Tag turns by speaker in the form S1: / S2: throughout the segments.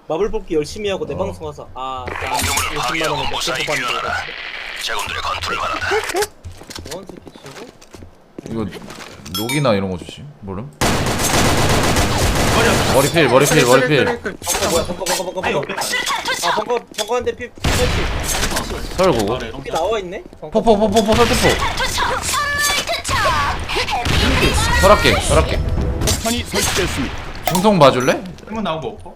S1: 마블 뽑기 열심히 하고 내 방송 와서 나 50만 원에 몇개 뽑았는데
S2: 자군들의 건투를 바란다.
S1: 뭐한 새끼 치고?
S3: 이거 녹이나 이런 거 주시? 모름? 머리필
S1: 뭐야 벙커 한대 피
S3: 설고
S1: 피 나와있네?
S3: 포포포포포 설포포 설할게
S4: 폭탄이 설치됐습니다.
S3: 중성 봐줄래?
S5: 한번 나오고 없고.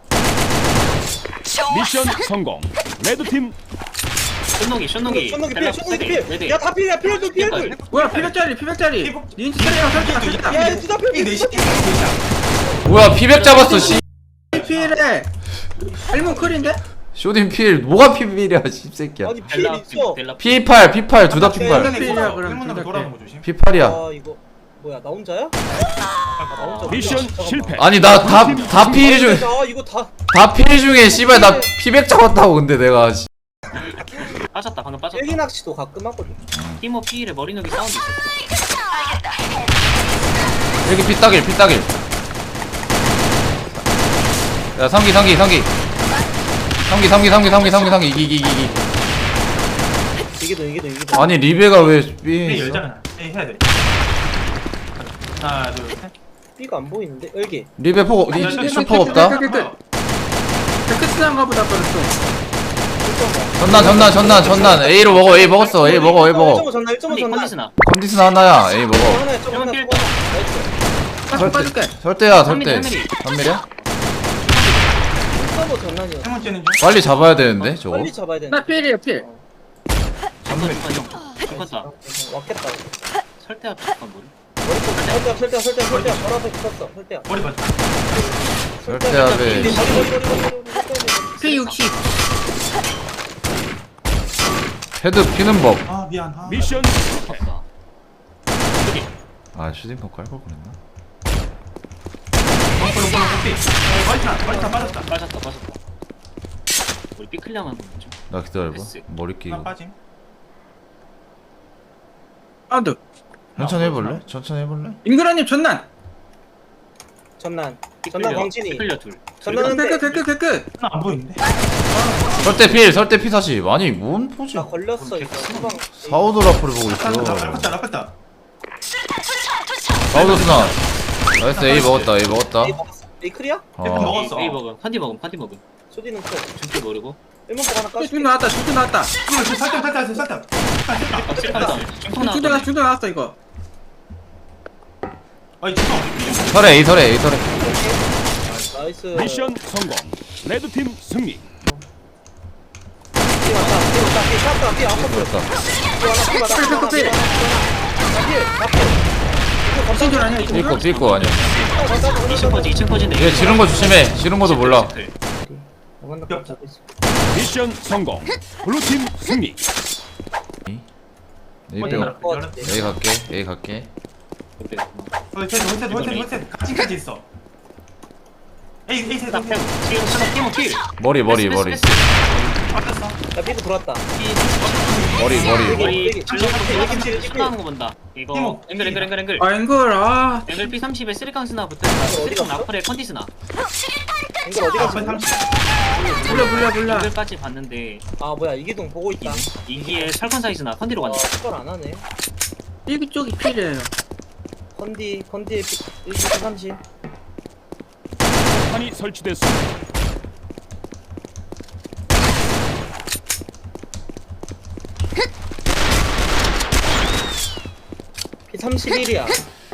S4: 미션 성공. 레드팀
S1: 쇼노기
S2: 레드.
S1: 필! 야다 필이야 필도 필도!
S6: 뭐야 피백짜리 닌자 차례랑 설치가
S1: 야 진짜 필!
S3: 뭐야 피백 잡았어 씨
S6: 필에 일문 클인데?
S3: 쇼딘 필 뭐가 필이야 씹새끼야
S1: 아니 필 있어!
S3: P8 P8 둘 다 P8
S6: 필이야 그럼
S5: 일문 나고 돌아오는 거 조심.
S3: P8이야
S1: 아 이거 뭐야 나 혼자야? 나 혼자
S4: 미션
S1: 잠깐만.
S4: 실패.
S3: 아니 나 다 필 중에
S1: 아 이거 다
S3: 다 필 중에 씨발 나 피백 잡았다고 근데 내가 씨.
S7: 빠졌다 방금 빠졌다.
S1: 일기 낚시도 가끔 하거든
S7: 티모 피일에 머리 녹이 사운드 있었어.
S3: 이렇게 피따길 야 상기 이기
S1: 이기도
S3: 아니 리베가 왜
S5: 삐
S3: 삐
S5: 열잖아. 에이 해야 돼. 하나 둘 셋.
S1: B가 안 보이는데? 일기
S3: 리베 포 슈퍼 없다
S6: 끝이란가 보다 그랬어.
S3: 전난 A로 먹어 A 먹었어 A 먹어
S1: 1.5 전나 1.5 전나
S7: 컨디스나.
S3: 컨디션 하나야 A 먹어
S1: 하나에 좀 하나
S7: 일본
S1: 나이스
S6: 빠질게.
S3: 설대야
S7: 삼밀리.
S3: 3밀이야?
S1: 1.5 전난이야
S5: 세 번째는 좀.
S3: 빨리 잡아야 되는데 저거
S1: 빨리 잡아야 되는데
S6: 나 필이야 필.
S7: 죽었다.
S1: 왔겠다
S7: 설대 앞에 잠깐 머리.
S1: 설대야 바로 앞에 붙었어 설대야
S5: 머리 맞아.
S3: 설대압에
S6: 필 60.
S3: 헤드 피는 법.
S5: 아 미안.
S4: 미션 실패.
S7: 없다.
S3: 아 슈딩퍼 깔걸 그랬나?
S5: 머리타 빠졌다.
S7: 빠졌다. 우리 삐클량한 거 좀.
S3: 나 기다려봐
S7: 됐어.
S3: 머리 끼고
S5: 나 빠짐.
S6: 아운드.
S3: 천천히 해볼래?
S6: 잉그라님 전난.
S1: 전난 광진이
S7: 삐클려 둘.
S1: 전난한데
S6: 끝.
S5: 하나 안 보이는데.
S3: 설대 P40 아니 뭔 포지
S1: 나 걸렸어 이거 후방
S3: 사우드 라프를 보고 있어
S5: 라프다.
S3: 사우드 스나 나이스 A 먹었다
S1: A 먹었어? A 클이야?
S3: 어
S5: 먹었어.
S7: A 먹음. 판디 먹음.
S1: 쇼디는 클
S7: 준비 모르고.
S1: 1문 하나 까줄게
S6: 중 나왔다.
S5: 살짝.
S7: 중통 나왔다.
S6: 중대 나왔어 이거.
S5: 아이 진짜.
S3: 설에 A 설에
S1: 나이스
S4: 미션 성공. 레드팀 승리.
S1: B 왔다 B 아까
S3: 그랬다
S6: 신줄 아니야?
S3: 삐꼬 아니야
S7: 2층 퍼진데.
S3: 얘 지른 거 조심해 지른 것도 몰라
S4: 미션 성공. 블루팀 승리.
S3: A 갈게
S5: 홀셋 같이까지 있어. 에이 셋.
S7: 딱 패고. 지금 수납 티모 킬.
S3: 머리
S5: 빠졌어.
S1: 야 B도 들어왔다
S3: 머리
S1: 여기
S7: 수납하는 거 본다. 이거 앵글.
S6: 아 앵글
S7: 앵글 P30에 쓰리캉스나 붙어있다. 쓰리캉 라플에 컨디스나.
S1: 이거 어디 갔어?
S5: 앞에 30.
S6: 몰라.
S7: 앵글까지 봤는데
S1: 아 뭐야 이기동 보고 있다
S7: 이기에 설컨 사이즈나 컨디로 갔네.
S1: 그걸 안 하네
S6: 일기 쪽이 필이에요.
S1: 컨디에 130
S4: 폭탄이 설치됐습니다.
S1: P31이야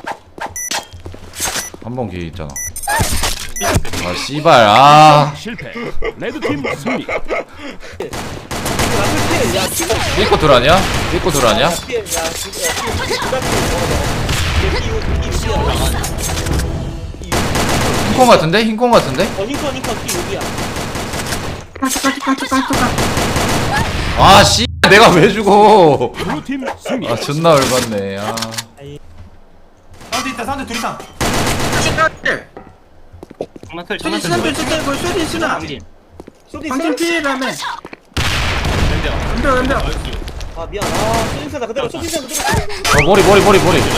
S3: 한 번 기회 있잖아 아 씨발 아
S4: 실패. 레드팀 승리.
S1: 야
S3: 삐꼬 둘 아니야?
S1: 야
S3: 흰콩 같은데?
S1: 흰컨 P6이야
S3: 아 씨 내가 왜 죽어
S4: 블루팀 승리.
S3: 아 존나 열받네 아
S5: 사운드 둘 이상.
S7: 장난클.
S6: 이거 쇼디 쓰나?
S7: 강진.
S1: 쇼디
S6: 방진 필이라며.
S7: 왼벽.
S6: 왼벽.
S1: 아 미안 쇼디스나 그대로 쇼디스나 그대로
S3: 머리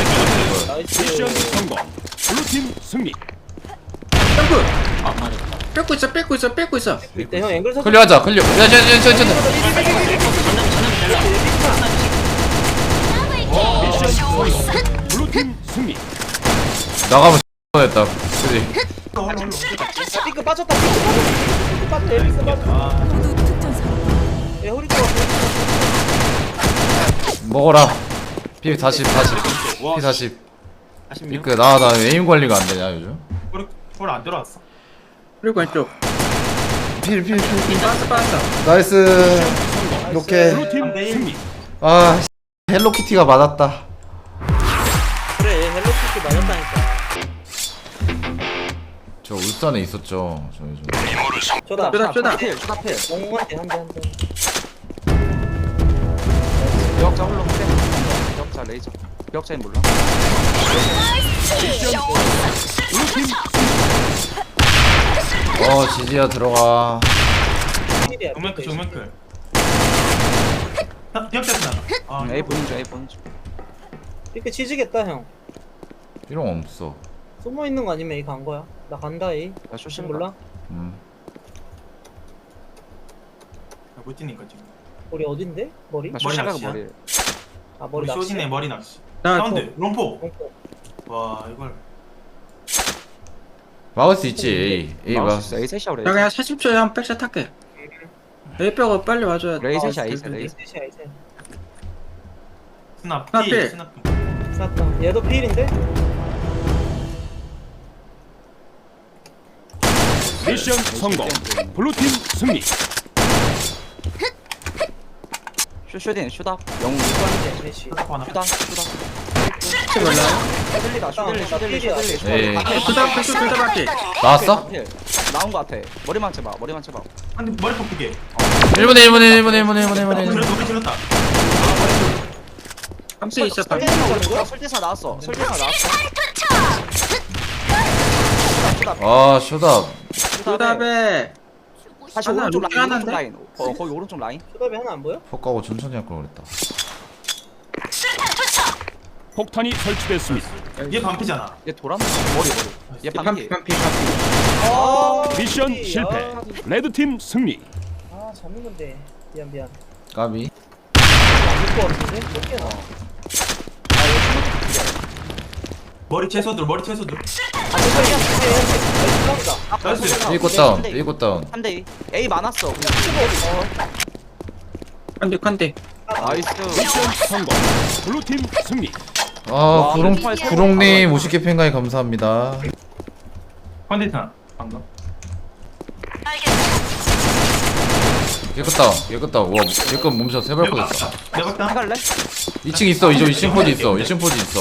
S1: 나이스
S4: 미션 성공. 블루팀 승리.
S6: 점프.
S7: 아 맞았다.
S6: 뺏고 있어.
S1: 이때 형 앵글 서.
S3: 클리어하자 클리어 야야야야야
S7: 전남
S4: 미션 성공. 블루팀 승리.
S3: 나가면 했다 그지
S1: 삐끗 빠졌다. 삐끗 빠졌다. 에비스 빠졌다. 야 허리 좋아.
S3: 먹어라 피 40 피 40 삐끗 나 에임 관리가 안 되냐 요즘
S5: 볼안 들어왔어.
S6: 그리고 왼쪽.
S3: 필
S6: 빠졌어.
S3: 나이스 이렇게
S4: 블루팀 승리.
S3: 아 헬로키티가 맞았다
S1: 그래 헬로키티 맞았다니까.
S3: 저 울산에 있었죠 저 요즘
S1: 쇼다.
S6: 쇼다.
S1: 엉한테 한대.
S8: 기억자 홀로 세. 기억자 레이저. 기억자인 몰라.
S4: 블루팀
S3: 지지야 들어가
S5: 조명클. 기억자 나.
S8: A 보는 중 A 보는 중.
S1: 삐끗 치지겠다 형.
S3: 필요 없어
S1: 숨어 있는 거 아니면 A 간 거야? 나 간다 A.
S8: 나 쇼신
S1: 몰라?
S5: 못 뛰니까 지금.
S1: 우리 어딘데? 머리?
S8: 나 쇼신 가고
S5: 낚시야?
S8: 머리.
S1: 아 머리 낚시.
S5: 쇼진의 머리 낚시.
S6: 나
S5: 사운드 롬포.
S1: 엉코.
S5: 와 이걸.
S3: 막을 수 있지 A 막을
S8: 마우스
S3: 수
S8: A 셋이야
S6: 나
S8: 레이저.
S6: 그냥 40초에 한 백샷 할게. A 빼고 빨리 와줘야 돼.
S8: 레이셋이야 A 셋 레이.
S1: 셋이야 이제.
S5: 스납.
S6: 스납 필.
S5: 스납.
S1: 쌌다. 얘도 필인데?
S4: 미션 성공. 블루팀 승리.
S8: 쇼딘 쇼다. 영웅
S1: 메시.
S5: 하나.
S8: 쇼다.
S6: 혹시 몰라요?
S8: 쇼들리다.
S3: 에이.
S6: 둘다 밖에.
S3: 나왔어?
S8: 나온 거 같아. 머리만 쳐봐. 머리만 쳐봐.
S5: 근데 머리 뽑히게.
S3: 1분에
S5: 머리 질렀다.
S6: 깜짝 있었다.
S8: 설대사 나왔어.
S3: 아 쇼다
S6: 둘다배.
S8: 다시
S6: 하나,
S8: 오른쪽
S6: 루키
S8: 라인.
S6: 하나인데?
S8: 오른쪽 라인. 거기 오른쪽 라인.
S1: 쇼답이 하나 안 보여?
S3: 폭가고 천천히 할 걸 그랬다
S4: 폭탄이 설치됐습니다.
S5: 얘 반피잖아.
S8: 얘 돌았나? 머리. 얘 반피.
S6: 깜피.
S1: 아
S4: 미션
S1: 메시.
S4: 실패. 레드팀 승리.
S1: 아 잡는 건데. 미안.
S3: 까비
S1: 안될것 같은데? 몇 개나?
S5: 머리 채소들. 나이스.
S3: 삐끗 다운
S8: 3대2. A 많았어.
S6: 컨대.
S8: 나이스.
S4: 미션 성공. 블루팀 승리.
S3: 아 구롱님 50개 팬가이 감사합니다
S5: 컨디션 방금.
S3: 깨끗다 와 깨끗 몸샷 세발 꽂았어
S5: 내가 봤다.
S8: 해갈래?
S3: 2층 있어 2층 포지 있어 1층 포지 있어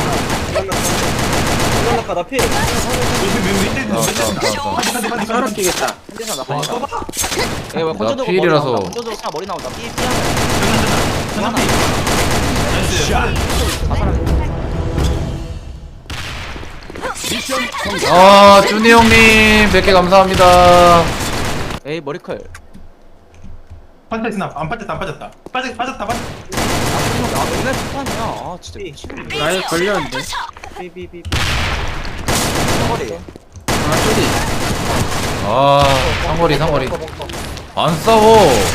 S1: 장난나까 나 필.
S3: 다운
S6: 서로 끼겠다.
S8: 한대사 나 빨리 가. 왜 건져도
S3: 피일이라서.
S8: 건져도 그냥 머리 나온다. 삐 하나.
S4: 미션 성공.
S3: 아 준이 형님 100개 감사합니다
S8: 에이 머리컬.
S5: 판타 스납. 안 빠졌다. 빠졌다.
S8: 아 맨날 폭탄이야. 아 진짜 미치겠네.
S6: 나에 걸렸는데.
S1: 비비비.
S8: 머리.
S6: 아 쇼디.
S3: 아 상거리 안 싸워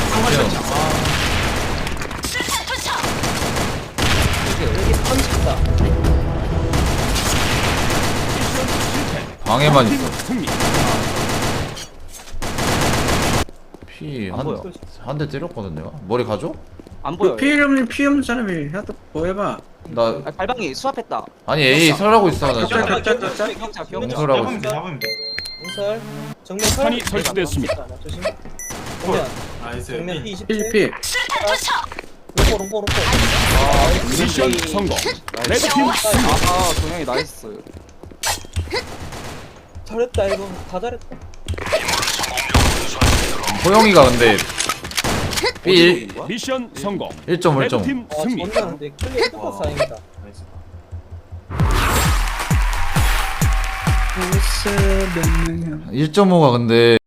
S1: 여기 펀치다.
S3: 방에만 있어
S4: 승리.
S3: 피
S8: 안 보여.
S3: 한 대 때렸거든 내가 머리 가져?
S8: 안 보여.
S6: 피 없는 사람이 하도 뭐 해봐.
S3: 나
S8: 아, 발방이 수압했다.
S3: 아니 A 설하고 있어 나 지금
S6: 격자.
S8: 기억자.
S3: 공설하고
S5: 잡으면
S3: 있어
S5: 돼.
S1: 공설. 정면
S4: 폭탄이
S1: 설.
S4: 설치됐습니다.
S1: 조심. 정면.
S5: 나이스.
S1: 정면 P 27.
S6: 필.
S1: 롱포.
S4: 미션 성공. 레드팀 승리.
S8: 아 동영이 나이스.
S1: 잘했다 이거. 다 잘했다.
S3: 호영이가 근데 B
S4: 미션 성공.
S3: 1.5
S4: 레드팀
S1: 아
S4: 승리.
S1: 존나 근데 클리어 똑같아 다행이다.
S5: 나이스.
S6: 벌써 몇 명이야.
S3: 1.5가 근데